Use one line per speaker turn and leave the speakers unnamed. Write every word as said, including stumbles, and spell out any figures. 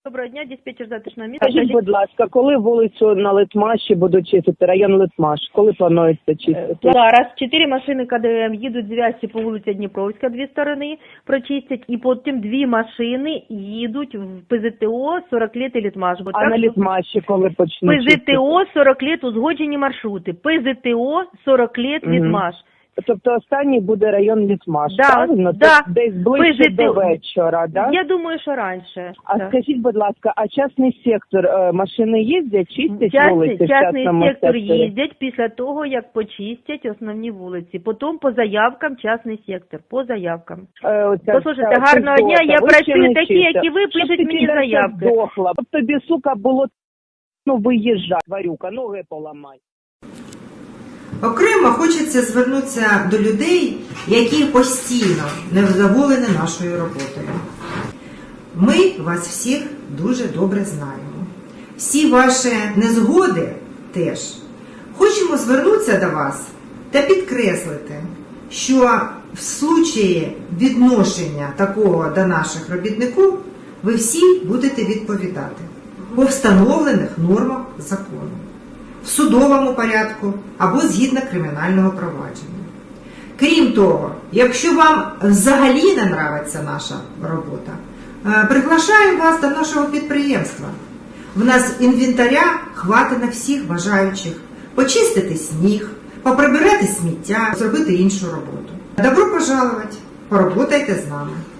Доброго дня, диспетчер затишного міста.
Скажіть, будь ласка, коли вулицю на Литмаші будуть чистити, район Литмаш, коли планується чистити?
Зараз чотири машини КДМ їдуть з Вязці по вулиці Дніпровська, дві сторони прочистять, і потім дві машини їдуть в ПЗТО сорок лет і Литмаш. Бо
А
так,
на Литмаші коли почнуть чистити?
ПЗТО сорок лет узгоджені маршрути. ПЗТО сорок лет
Мгм.
Литмаш.
Тобто останній буде район Литмаш,
Да,
правильно?
да.
Тобто десь ближче
ПЗТО.
до вечора, да?
Я думаю, що раніше.
А
да.
скажіть, будь ласка, а частний сектор, е, машини їздять, чистять
Частний,
вулиці в
частний
частному
сектор
секторі?
їздять після того, як почистять основні вулиці. Потім по заявкам частний сектор, по заявкам.
Е, оця
Послухайте,
вся
гарного дня,
Федота,
я
ви ще
працюю
не
такі,
чистите.
як і ви,
Щоб
пишуть
ти
мені
через це
заявки.
здохла. Щоб тобі, сука, було ну, виїжджати, тварюка, ноги поламай.
Окремо хочеться звернутися до людей, які постійно невдоволені нашою роботою. Ми вас всіх дуже добре знаємо. Всі ваші незгоди теж. Хочемо звернутися до вас та підкреслити, що в случаї відношення такого до наших робітників ви всі будете відповідати по встановлених нормах закону, в судовому порядку або згідно кримінального провадження. Крім того, якщо вам взагалі не нравиться наша робота, приглашаємо вас до нашого підприємства. В нас інвентаря хватить на всіх бажаючих почистити сніг, поприбирати сміття, зробити іншу роботу. Добро пожаловать, поработайте з нами.